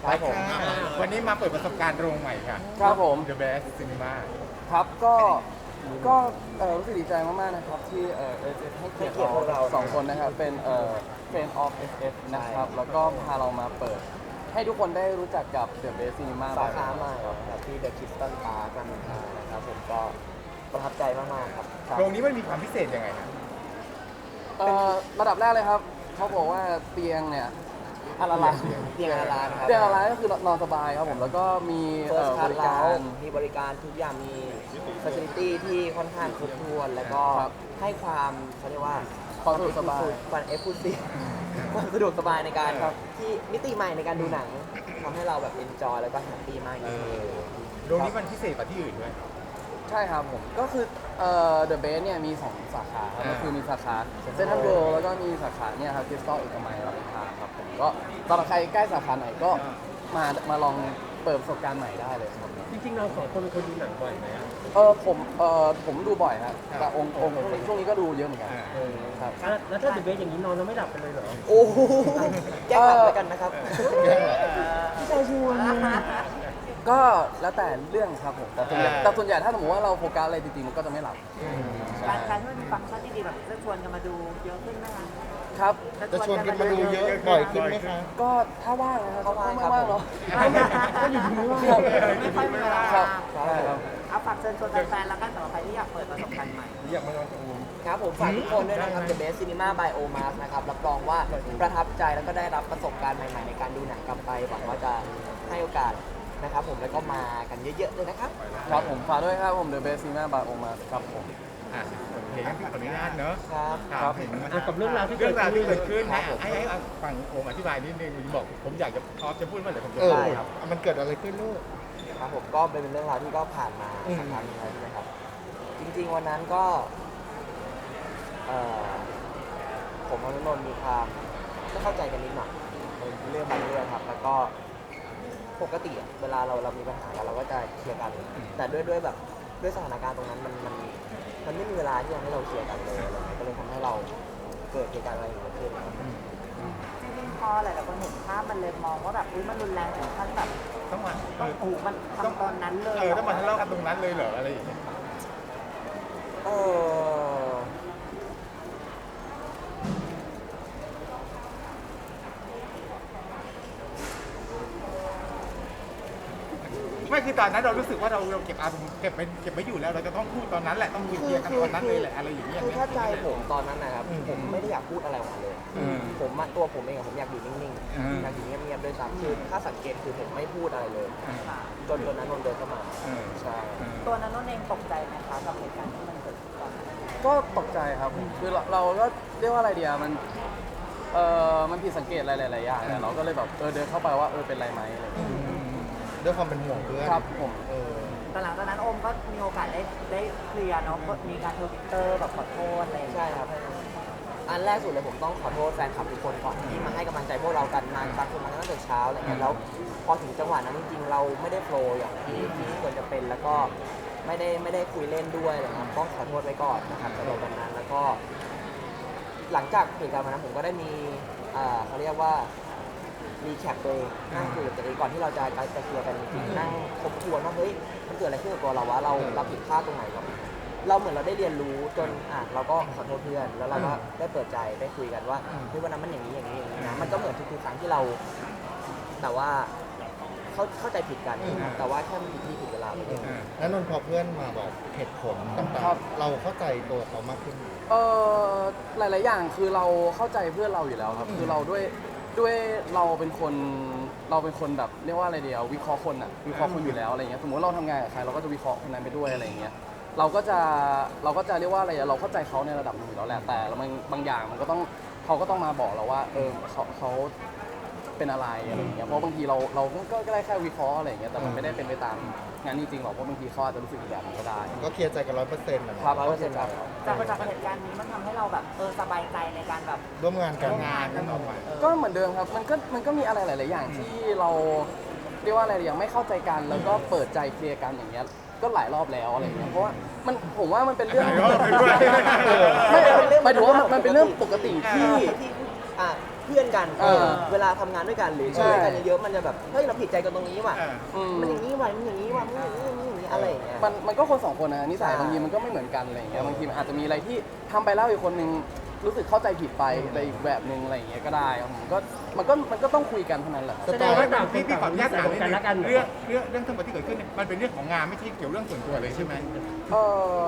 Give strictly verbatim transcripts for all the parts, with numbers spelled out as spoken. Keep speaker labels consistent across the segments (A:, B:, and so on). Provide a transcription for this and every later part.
A: ครับผม
B: วันนี้มาเปิดประสบการณ์โรงใหม่ค่ะ
A: ครับผม
B: The Best Cinema
A: ครับก็ก็เอ่อรู้สึกดีใจมากๆนะครับที่เอ่อเอเจให้เกียรติ
C: ให้เกียรติพวกเรา
A: เราสองคนนะครับเป็นเอ่อ Friend of เอฟ เอฟ นะครับแล้วก็พาเรามาเปิด ให้ทุกคนได้รู้จักกับ The Best Cinema
C: สาขาใหม่ครับที่เดอะคิสตันพาร์ครามอินทรานะครับผมก็ประทับใจมากๆครับ
A: ครับ
B: โรงนี้มันมีความพิเศษยังไงครับ
A: เอ่อระดับแรกเลยครับเขาบอกว่าเตียงเนี่ยอาราลาน
C: เตียงอาราครับ
A: เตียงอาราลานก็คือนอนสบายครับผมแล้วก็มี
C: เฟิ
A: เอ่
C: ร์ส
A: อ
C: คลา
A: บ
C: ส
A: ริ
C: แล้
A: กาว ร
C: มีบริการทุกอย่างมีฟัซิลิตี้ที่ค่อนข้างครบถ้วนแล้วก็
A: ครับ
C: ให้ความเขาเรียกว่า
A: ความสะดวกสบาย
C: ความเอ็กซ์คลูซีฟความสะดวกสบายในการ
A: ครับ
C: ที่มิติใหม่ในการดูหนังทำให้เราแบบเอนจอยแล้วก็แฮปปี้มาก
B: เอ
C: ยิ่งขึ้น
B: อโรงนี้มันพิเศษกว่าที่อื่นด้วย
A: ใช่ครับผมก็คือเอ่อ The Base เนี่ยมี สอง สาขาครับ
B: อ่า
A: ก็คือมีสาขาเซ็นทรัลเวิลด์แล้วก็มีสาขาเนี่ยครับคริสตัลเอกมัยรามอินทราครับผมก็สำหรับใครใกล้สาขาไหนก็มามาลองเปิดประสบการณ์ใหม่ได้เลยครับ
D: จริงๆเราสองคนเป็นคนดูหนังบ่อยไหมอะ
A: เออผมเออผมดูบ่อยครับแต่องค์องค์ช่วงนี้ช่วงนี้ก็ดูเยอะเหมือนกัน
B: อ่า
D: เออ
A: ครับ
D: อ่ะแล้วถ้าเดอะเบสอย่างนี้นอนแล้วไม่หลับกันเลยเหรอ
C: โอ้โหแก้ขัดแล้วกันนะครับ
D: พี่ชายชวน
A: ก็แล้วแต่เรื่องครับผมแต่ส่วนใหญ่
B: อ่า
A: แต่ส่วนใหญ่ถ้าสมมติว่าเราโฟกัสอะไรจริงๆมันก็จะไม่หลับ
E: การการที่มันมีฟังก์ชันที่ดีแบบจะชวนกันมาดูเยอะขึ้นไหมคะ
A: ครับ
F: จะชวนกันมาดูเยอะบ่อยขึ้นไหมคะ
A: ก็ถ้าว่างนะครับ
C: ถ้าว่าง
A: ไม่
C: ครับ
A: ว่างเนาะ
D: ก็อยู่ที่นี่ว่า
A: ครับ
E: ไม่ค่อยมีเวลา
A: ครับ
C: ครั
A: ใช่
C: บ
A: ครับ
E: เอาฝากเชิญชวนแฟนๆแล้วกันสำหรับใครที่อยากเปิดประสบการณ์ใหม่
B: อยากมาลองดู
C: ครับผมฝากทุกคนด้วยนะครับ The Best Cinema by Omas นะครับรับรองว่าประทับใจแล้วก็ได้รับประสบการณ์ใหม่ๆ ในการดูหนังกลับไปหวังว่าจะให้โอกาสนะครับผมแล้วก็มากันเยอะๆเลยนะครับ
A: ครับผมฝากด้วยครับผม The Best Cinema by Omas ครับผม
B: อ่ะโอเคงั้นขออนุญาตเนอะ
C: ครับ
B: ถาม
A: ครับ
B: ถึง
D: อ่ะกับเรื่องราวที่
B: เรื่องราวที่เกิดขึ้น
C: ครั
B: นะ
C: บผม
B: ให้ให้ฟังโอมอธิบายนิดนึงบอกผมอยากจะพร้อมจะพูดเมื่อไหร่ผมจะ
F: เออ
B: พูด
C: ได้ครับ
F: มันเกิดอะไรขึ้นลูก
C: ครับผมก็เป็นเรื่องราวที่ก็ผ่านมา
F: อืม
C: สักพักหนึงแล้วใช่ไหมครับ จริงๆวันนั้นก็เอ่อผมกับนนนท์มีความไม่เข้าใจกันนิดหน่อยในเรื่องบางเรื่องครับ แล้วก็ปกติอะเวลาเราเรามีปัญหากันเราก็จะเคลียร์กัน แต่ด้วยด้วยแบบด้วยสถานการณ์ตรงนั้นมันมันมันไม่มีเวลาที่จะให้เราเคลียร์กันเลยอะไรเงี้ยก็เลยทำให้เราเกิดเหตุการณ์อะไรอย่างเงี้ยขึ้นครับ
E: จริงๆพอหลายๆคนเห็นภาพมันเลยมองว่าแบบอุ้ยมันรุนแรงถึงขั้นแบบ
B: ต้องมาเอ
E: ต้อง
B: อ
E: อูมันทำตอนนั้นเลย
B: เออต้องมาทะเลาะกันตรงนั้นเลยเหรออะไรอย่างเงี้ย
C: เออ
B: ไม่คือตอนนั้นเรารู้สึกว่าเราเราเก็บอารมณ์เก็บไปเก็บไม่อยู่แล้วเราจะต้องพูดตอนนั้นแหละต้องคุยเคลียร์กันตอนนั้นเลยแหละอะไรอย่างเงี้ย
C: คือถ้าใจผมตอนนั้นนะครับ
F: อืม
C: ผมไม่ได้อยากพูดอะไรออกมาเลย
B: อืม
C: ผมอะตัวผมเองอะผมอยากอยู่นิ่ง
B: อืม
C: ๆอยากอยู่เงียบๆด้วยซ้ำคือถ้าสังเกตคือผมไม่พูดอะไรเลย
E: ค่ะ
C: จนจนนั้นนนท์เดินเข้ามา
B: เออ
C: ใช่
E: ตัวนั้นนนเองตกใจไหมคะกับเหตุการณ์ที่มันเกิดขึ้นตอนนั้น
A: ก็ตกใจครับผมคือเราเราก็เรียกว่าอะไรเดียวมันเออมันผิดสังเกตอะไรหลายๆอย่างแหละเราก็เลยแบบเออเดินเข้าไปว่าเออเป็นไรไหมอะไรอย่างเงี้ย
F: ด้วยความเป็นห่วงเพื่อน
A: ครับผม
F: เออ
E: แต่หลังจากนั้นโอมก็มีโอกาสได้ได้เคลียร์เนาะก็มีการทวิตเตอร์แบบขอโทษอะไรอย่างเงี้ย
C: ใช่ครับ อันแรกสุดเลยผมต้องขอโทษแฟนคลับทุกคนก่อนที่มาให้กำลังใจพวกเรากันมาบางคนมาตั้งแต่เช้าอะไรเงี้ยแล้วพอถึงจังหวะนั้นจริงๆเราไม่ได้โฟลว์อย่างที่ที่ควรจะเป็นแล้วก็ไม่ได้ไม่ได้คุยเล่นด้วยอะไรครับต้องขอโทษไว้ก่อนนะครับสำหรับวันนั้นแล้วก็ หลังจากเหตุการณ์วันนั้นผมก็ได้มีอ่าเขาเรียกว่ารีแคปตัวเองนั่งคุยกับตัวเองก่อนที่เราจะจะเคลียร์กันจริงๆนั่งทบทวนว่าเฮ้ยมันเกิดอะไรขึ้นกับตัวเราวะเราเราผิดพลาดตรงไหนเราเราเหมือนเราได้เรียนรู้จนอ่ะเราก็ขอโทษเพื่อนแล้วเราก็ได้เปิดใจได้คุยกันว่าเฮ้ยวันนั้นมันอย่างนี้อย่างนี้อย่างนี้นะมันก็เหมือนทุกๆครั้งที่เรา แต่ว่าเข้าเข้าใจผิดกัน
F: อืม
C: แต่ว่าแค่มันผิดที่ผิดเวลาไปเอง
F: แล้วนนท์พอเพื่อนมาบอกเหตุผลต่าง
A: ครับ
F: ๆ เราเข้าใจตัวเขามากขึ้น
A: เออหลาย ๆ อย่างคือเราเข้าใจเพื่อนเราอยู่แล้วครับ คือเราด้วยด้วยเราเป็นคนเราเป็นคนแบบเรียกว่าอะไรเดียววิเคราะห์คนอะวิเคราะห์คนอยู่แล้วอะไรเงี้ยสมมติเราทำงานกับใครเราก็จะวิเคราะห์คนนั้นไปด้วยอะไรเงี้ยเราก็จะเราก็จะเรียกว่าอะไรอะเราเข้าใจเขาในระดับหนึงอยู่แล้วแหละแต่บางบางอย่างมันก็ต้องเขาก็ต้องมาบอกเราว่าเออเขาเขาเป็นอะไรอะไรอย่างเงี้ยเพราะบางทีเราเราก็ก็ได้แค่วิเคราะห์อะไรอย่างเงี้ยแต่มันไม่ได้เป็นไปตามงานจริงๆหรอกเพราะบางทีเขาอาจจะรู้สึกอีกแบบนึงก็ได้
F: ก็เคลียร์ใจกันร้อยเปอร์เซ็นต์นะครับ
A: ร้อยเปอร์เซ็นต์ครับ
E: จากจากเหตุการณ์นี้มันทำให้เราแบบเออสบายใจในการแบบ
F: ร่วมงานกัน
B: งานกันออกมา
A: ก็เหมือนเดิมครับ มันก็มันก็มีอะไรหลาย ๆ อย่างที่เราเรียกว่าอะไรอย่างไม่เข้าใจกัน แล้วก็เปิดใจเคลียร์กันอย่างเงี้ย ก็หลายรอบแล้วอะไรอย่างเงี้ย เพราะว่ามันผมว่ามันเป็นเรื่อง
B: หลายรอบเลยด้วย
A: ไม่หมายถึงว่ามันมันเป็นเรื่องปกติที่
C: ที่อ่ะพื่อนกัน
A: เออ
C: เวลาทำงานด้วยกันหรือ
A: ใช่
C: ช่วยกันเยอะๆมันจะแบบเฮ้ยเราผิดใจกันตรงนี้ว่ะ
B: เออ
A: อืม
C: มันอย่างนี้ว่ะมันอย่างนี้ว่ะมันอย่างนี้อย่างนี้อย่างนี้อะไรอย่างเงี้ย
A: มันมันก็คนสองคนนะนิสัย
C: ใช่
A: บางทีมันก็ไม่เหมือนกันอะไรอย่างเงี้ยบางทีมันอาจจะมีอะไรที่ทำไปแล้วอีกคนนึงรู้สึกเข้าใจผิดไปอะไรอีกแบบนึงอะไรอย่างเงี้ยก็ได้ครับผมก็มันก็มันก็ต้องคุยกันเท่านั้นแหละ
F: ส
D: แส
F: ไต
D: ดง
F: ล์
D: ว่าต่างคน
B: พี่พี่ขอ
D: ต่าง
B: อนุญาตถามนิด
D: กัน
B: นึ
D: ละกัน
B: งเรื่องเรื่องเรื่องทั้งหมดที่เกิดขึ้นเนี่ยมันเป็นเรื่องของงานไม่ใช่เกี่ยวเรื่องส่วนตัวเลยใช่ไหม
A: เออ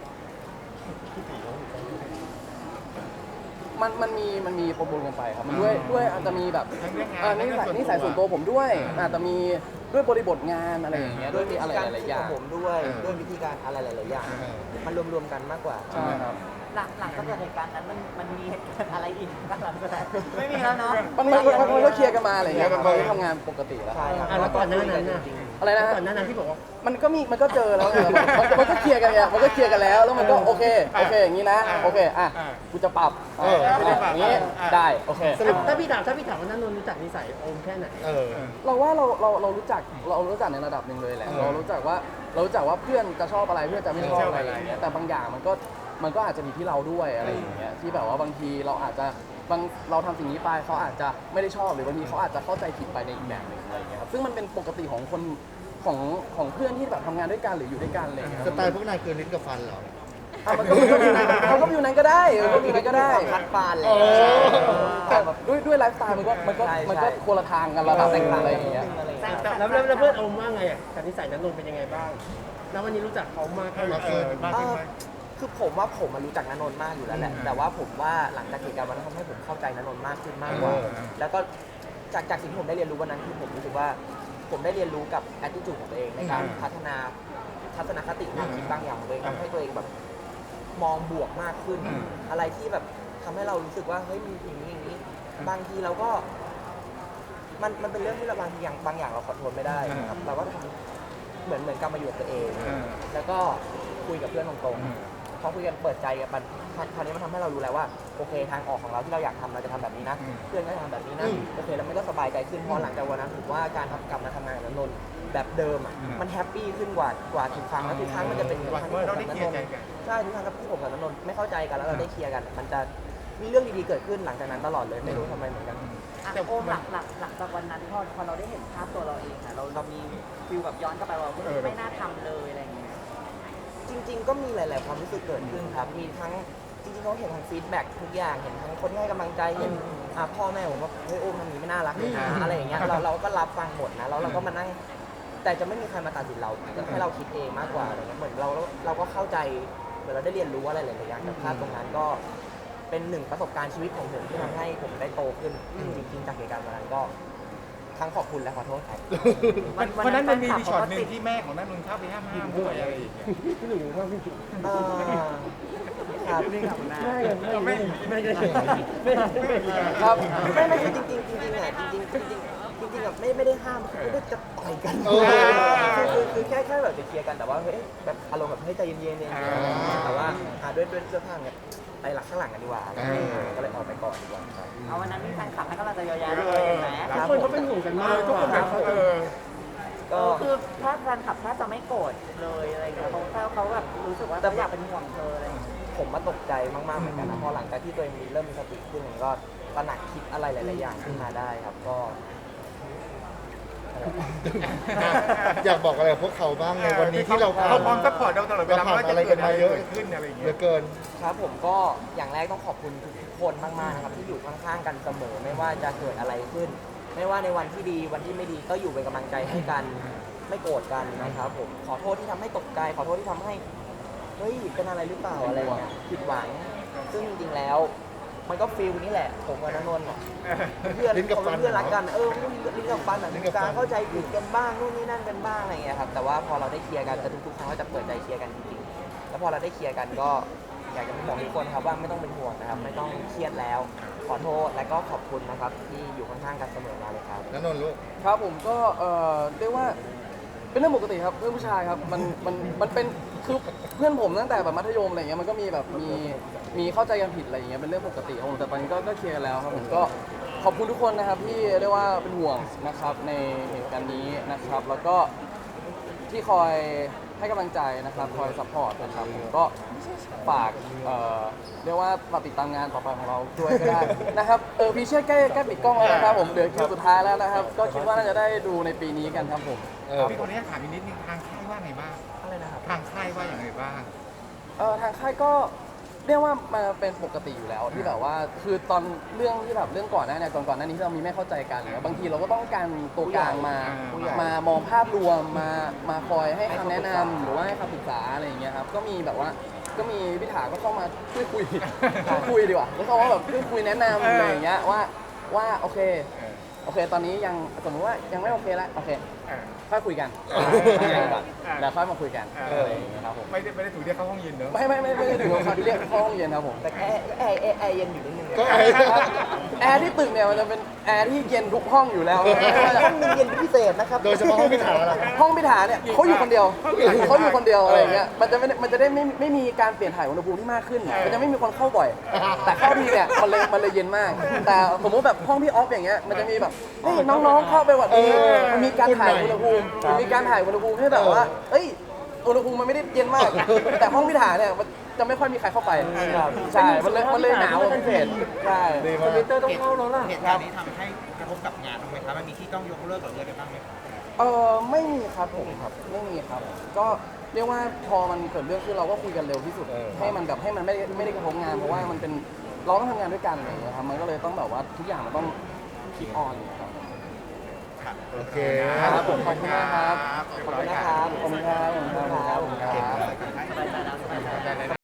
A: มันมันมีมันมีปนๆกันไปครับมันด้วยด้วยอาจจะมีแบบ
B: ทั้งเรื่องงาน
A: เออนิสัยนิสัยส่วนตัวผมด้วยอาจจะมีด้วยบริบทงานอะไรอย่างเงี้ย
C: ด้
A: ด้
C: ว
A: วย ย
C: วิ
A: มีอะไร
C: ธีการ
A: หลายๆอ
C: คิด
A: ย่า
C: ข
A: ง
C: องผมด้วย
F: เออ
C: ด้วยวิธีการอะไรหลายๆอย่าง
F: เออ
C: มันรวมๆกันมากกว่า
A: ใช่ครับ
E: หลังหลังจากเกิดเหตุการณ์นั้นมันมันมีเหตุการณ์อะไรอีกบ้างหลังจากนั้นไม่มีแล้วเนาะ
A: มันมันมันมันก็เคลียร์กันมาอะไรอย่างเงี้ย
F: เคลียร์
A: เรา
F: กันมา
A: ทำงานปกติแล้ว
C: ใช่ครับ
D: อ่ะแล้วก่อนหน้านั้นน่ะ
A: อะไรนะฮะ
D: ก่อนหน้านั้นที่บอกว่า
A: มันก็มีมันก็เจอแล้วไงมันมันก็เคลียร์กันไงมันก็เคลียร์กันแล้วแล้วมันก็โอเคโอเคอย่างนี้นะโอเคอ่ะกูจะปรับ
F: เออ
A: ไม่ได้อย่างนี้ได้โอเค
F: สรุป
D: ถ้าพี่ถามถ้าพี่ถามว่านันนนท์รู้จักนิสัยโอมแค่ไหน
F: เออ
A: เราว่าเราเราเรารู้จักเรารู้จักในระดับหนึ่งเลยแหละ
F: เออ
A: เรารู้จักว่าเรารู้จักว่าเพื่อนจะชอบอะไรเพื่อนจะไม่ชอบอะไรอย่างเงี้ยแต่บางอย่างมันก็มันก็อาจจะมีที่เราด้วยอะไรอย่างเงี้ยที่แบบว่าบางทีเราอาจจะบางเราทำสิ่งนี้ไปเขาอาจจะไม่ได้ชอบหรือบางทีเขาอาจจะเข้าใจผิดไปในอีกแบบหนึ่งอะไรอย่างเงี้ยครับซึ่งมันเป็นปกติของคนของของเพื่อนที่แบบทำงานด้วยกันหรืออยู่ด้วยกันอะไรอย่างเงี้ย
F: สไตล์พวกนายคือลิ้นกับฟันเหรอ
A: อ่ะมันก็มันก็อยู่ในมันก็อยู่ในก็ได้มันก็อยู่ในก็ได้
C: คัดปานเลย
F: เออ
A: แต่ด้วยด้วยไลฟ์สไตล์มันก็มันก็
C: ใช่
A: มันก็
C: ใช่
A: คนละทางกันระดับหนึ่งอะไรอย่างเงี้ย
C: อะไรอย่างเงี้ย
D: แล้วแล้วแล้วเพื่อนโอมว่าไงอ่ะกับนิสัยนันนนท์เป็นยังไงบ้าง แล้ววันนี้รู้จักเขามาก
B: เอ
D: ขึ้น
B: อเออมากขึ้นไหม
C: คือผมว่าผมมารู้จักนนนท์มากอยู่แล้วแหละ
B: อืม
C: แต่ว่าผมว่าหลังจากเหตุการณ์วันนั้นทำให้ผมเข้าใจนนนท์มากขึ้นมากกว่า
F: เออ
C: แล้วก็จากจากสิ่งที่ผมได้เรียนรู้วันนั้นคือผมรู้สึกว่าผมได้เรียนรู้กับ attitude ของตัวเองในการ
B: อืม
C: พัฒนาทัศนคติความคิดบางอย่างของตัวเองทำให้ตัวเองแบบมองบวกมากขึ้น
B: อืม
C: อะไรที่แบบทำให้เรารู้สึกว่าเฮ้ยมีอย่างนี้อย่างนี้ บางทีเราก็ มันมันเป็นเรื่องที่เราบางทีอย่างบางอย่างเราขอโทษไม่ได้นะครับเราก็ทำเหมือนเหมือนกลับมาอยู่กับตัวเอง
B: เออ
C: แล้วก็คุยกับเพื่อนตรง
B: อืม
C: ๆพอคุยกันเปิดใจกันมันคราวนี้มันทำให้เรารู้แล้วว่าโอเคทางออกของเราที่เราอยากทำเราจะทำแบบนี้นะ
B: อืม
C: เพื่อนก็จะทำแบบนี้นะ
F: อืม
C: โอเคแล้วมันก็สบายใจขึ้นเพราะหลังจากวันนั้นผมว่าการทำกลับมาทำงานกับนนท์แบบเดิมอ่ะ
B: อืม
C: มันแฮปปี้ขึ้นกว่ากว่าทุกครั้งแล้วทุกครั้งมันจะเป็นอย่าง
B: ว่า
C: ครั้งที่ผม
B: เราได้
C: กับ
B: เคลียร์
C: น
B: ใจ
C: นท์
B: กัน
C: ใช่ทุกครั้งที่ผมกับนนท์ไม่เข้าใจกันแล้วเราได้เคลียร์กัน มันจะมีเรื่องดีๆเกิดขึ้นหลังจากนั้นตลอดเลยไม่รู้ทำไมเหมือนกัน
E: อ่ะโอมหลังหลังหลังจากวันนั้นพอพอเราได้เห็นภาพตัวเราเองอะเราเรามีฟิลแบบย้อนกลับไปว่าเฮ้ย
B: เออ
E: ไม่น่าทำเลยอะไรอย่างเงี้ย
C: จริงๆ ก็มีหลาย ๆ ความรู้สึกเกิดขึ้นครับ มีทั้งจริงๆเขาเห็นทั้งฟีดแบ็กทุกอย่าง เห็นทั้งคนที่ให้กำลังใจ เห็นอ่าพ่อแม่ผมว่าเฮ้ยโอมทำอย่างนี้ไม่น่ารักเลยนะอะไรอย่างเงี้ย เราเราก็รับฟังหมดนะ แล้วเราก็มานั่ง แต่จะไม่มีใครมาตัดสินเราให้เราคิดเองมากกว่าอะไรเงี้ย เหมือนเราเราก็เข้าใจเหมือนเราได้เรียนรู้อะไรหลายๆอย่างจากภาพตรงนั้นก็เป็นหนึ่งประสบการณ์ชีวิตของผมที่ทำให้ผมได้โตขึ้น จริงๆ จากเหตุการณ์วันนั้นก็ทั้งขอบคุณและขอโทษครับ
B: วันวันนั้นมันมีช็อตหนึ่งที่แม่ของนันนนท์เข้าไปห้ามห้ามด้วยอะไรอย่างเงี้ย
D: พี่หนุ่มว่าพี่
C: อ่าครับ
E: นี่ครับคุณแม่
D: ไม่ไม่ไม่ไม่ไม่ไม่
A: ครับ
C: ไม่ไม่คือจริงๆจริงๆอ่ะจริงๆจริงๆจริงๆอ่ะไม่ไม่ได้ห้ามไม่ได้จะต่อยกัน
F: เออ
C: คือคือคือแค่แค่แบบจะเคลียร์กันแต่ว่าเฮ้ยแบบอารมณ์แบบให้ใจเย็นๆเย็นๆแต่ว่าอ่าด้วยด้วยเสื้อผ้าเนี่ยไปหลักข้างหลังกันดีกว่าอะไรอย่างเงี้ยก็เลยออกไปก่อนดีกว่าครับ
E: เอาวันนั้นมีแฟนคลับให้กำลังใจเยอะแยะเลยเห็นไหม
D: ทุกคนเขาเป็นห่วงกัน
B: เอ
D: มาก
B: อทุกคนแบบเออ
E: เอ
C: ก็
E: อคือถ้าแฟนคลับแทบจะไม่โกรธเลยอะไรเงี้ยเขาแค่เขาแบบรู้สึกว่าเขาอยากเป็นห่วงเธออะไรอย่างเงี้ย
C: ผมมาตกใจมากๆเหมือนกันนะพอหลังจากที่ตัวเองมีเริ่มมีสติขึ้นผมก็ตระหนักคิดอะไรหลายๆอย่างขึ้นมาได้ครับก็
F: อยากบอกอะไรกับพวกเขาบ้างในวันนี้ที่เรา
B: เขาพร้อมซัพพอร์ตเราตลอดเวลา
F: ผ่าน
B: ว่าจะ
F: อะไร
B: เกิ
F: กั
B: ด
F: น
B: อะไร
F: มาเยอะ
B: เกิดขึ้นอะไรอย่าง
F: เห
B: เงี้
F: ลื
B: ย
F: อเกิน
C: ครับผมก็อย่างแรกต้องขอบคุณทุกๆคนมากๆนะครับที่อยู่ข้างๆกันเสมอไม่ว่าจะเกิดอะไรขึ้น ไม่ว่าในวันที่ดีวันที่ไม่ดีก็อยู่เป็นกำลังใจให้กันไม่โกรธกันนะครับผมขอโทษที่ทำให้ตกใจขอโทษที่ทำให้เฮ้ยเป็นอะไรหรือเปล่าอะไรเงี้ยผิดหวัง ซึ่งจริงๆแล้ว มันก็ฟีลนี้แหละผมกับนนนท์อะเพื่อน
F: ลิ้นกับฟัน
C: เพื่อนรักกันเออลิ้นกับฟันอะ
F: ลิ้นกับฟัน
C: การเข้าใจผิดกันบ้างนู่นนี่นั่นกันบ้างอะไรเงี้ยครับแต่ว่าพอเราได้เคลียร์กันแต่ทุกๆครั้งก็จะเปิดใจเคลียร์กันจริงๆแล้วพอเราได้เคลียร์กันก็อยากจะบอกทุกคนครับว่าไม่ต้องเป็นห่วงนะครับไม่ต้องเครียดแล้ว ขอโทษและก็ขอบคุณนะครับที่อยู่ข้างๆกันเสมอมาเลยครับ
F: นันนนท์ลูก
A: ครับผมก็เอ่อเรียกว่าเป็นเรื่องปกติครับเพื่อนผู้ชายครับมันมันมันเป็นคือเพื่อนผมตั้งแต่แบบมัธยมอะไรเงี้ยมันก็มีแบบมีมีเข้าใจกันผิดอะไรอย่างเงี้ยเป็นเรื่องปกติครับผมแต่ตอนนี้ก็ก็เคลียร์กันแล้วครับผมก็ขอบคุณทุกคนนะครับที่เรียกว่าเป็นห่วงนะครับในเหตุการณ์นี้นะครับ แล้วก็ที่คอยให้กำลังใจนะครับคอยซัพพอร์ตนะครับผมก็ฝากเอ่อเรียกว่าฝากติดตามงานต่อไปของเราด้วยก็ได้ นะครับเออพี่เชื่อใกล้ใกล้ปิดกล้องแล้วนะครับผมเหลือคิวสุดท้ายแล้วนะครับก็คิดว่าน่าจะได้ดูในปีนี้กันครับผม
F: เออ
B: พี่คนนี้ถามอีกนิดนึงทางค่ายว่าไงบ้าง
C: อะไรนะครับ
B: ทางค่ายว่าอย่างไรบ้าง
A: เออทางค่ายก็เรียกว่ามาเป็นปกติอยู่แล้วที่แบบว่าคือตอนเรื่องที่แบบเรื่องก่อนหน้าเนี่ยก่อนก่อนหน้านี้ที่เรามีไม่เข้าใจกันเนี่ยบางทีเราก็ต้องการตัวกลางมา
B: ผู้ใหญ่
A: มามองภาพรวมมามาคอยให้คำแนะนำหรือว่าให้คำปรึกษาอะไรอย่างเงี้ยครับก็มีแบบว่าก็มีพิธาก็เข้ามาช่วยคุย ช่วยคุยดีกว่าแล้วเขาว่าแบบช่วยคุยแนะนำอะไรอย่างเงี้ยว่าว่าโอเคโอเค ตอนนี้ยังสมมติว่ายังไม่โอเคแล้วโอเค
B: เออ
A: ค่อยคุยกัน
B: เออ
A: ทำงานกันก่อนแล้วค่อยมาคุยกัน
B: เอออ
A: อะไรอย่างเงี้ยครับผม
B: ไม่ได้ไม่ได้ถูกเรียกเข้าห้องเย็นเนอะ
A: ไม่ไม่ไม่ไม่ได้ถึงกับเขาที่เรียกเข้าห้องเย็นครับผม
C: แต่แอร์แอร์แอร์แอร์เย็นอยู่นิดนึง
F: ก็ไอ้
A: แอร์ที่ตึกเนี่ยมันจะเป็นแอร์ที่เย็นทุกห้องอยู่แล้ว
C: ห้องหนึงเย็นเป็นพิเศษนะครับ
F: โดยเฉพาะห้องพิธาล่ะ
A: ห้องพิธาเนี่ยเขาอยู่คนเดียวเขาอยู่คนเดียวอะไรอย่างเงี้ยมันจะไม่มันจะได้ไม่ไม่มีการเปลี่ยนถ่ายอุณหภูมิที่มากขึ้นมันจะไม่มีคนเข้าบ่อย แต่เข้าทีเนี่ยมันเลยมันเลยเย็นมาก แต่สมมติแบบห้องพี่ออฟอย่างเงี้ยมันจะมีแบบเฮ้ยน้องๆเข้าไปแบบนี้มันมีการถ่ายอุณหภูมิมันมีการถ่ายอุณหภูมิให้แบบว่าเอ้ยอุณหภูมิมันไม่ได้เย็นมาก แต่ห้องพิธาเนี่ยมันจะไม่ค่อยมีใครเข้าไปใช่มันเลยมันเลยหนาวเป็นพิเศษใช่
F: ดี
D: ท
F: มาก
D: วิตเตอร์ต้องเข้าแล้วล่ะ
G: เหตุการณ์นี้ทำให้กระทบกับงานบ้างไหมครับมันมีที่ต้องยกเลิกหรืออะไรบ้างไหมครับ
A: เออไม่มีครับผมครับไม่มีครับ ก็เรียกว่าพอมันเกิดเรื่องขึ้นเราก็คุยกันเร็วที่สุด ให้มันแบบให้มันไม่ได้ไม่ได้กระทบงาน เพราะว่ามันเป็นเราต้องทำงานด้วยกันอะไรอย่างเงี้ยครับมันก็เลยต้องแบบว่าทุกอย่างมันต้องคิดออนครับ
F: โอเค
A: ครับผมขอบคุณมากครับ
B: เรียบร้อยครับ
A: ขอบคุณครับขอบคุณครับขอบคุณครับขอบคุณครับ
B: ได้ได้ได้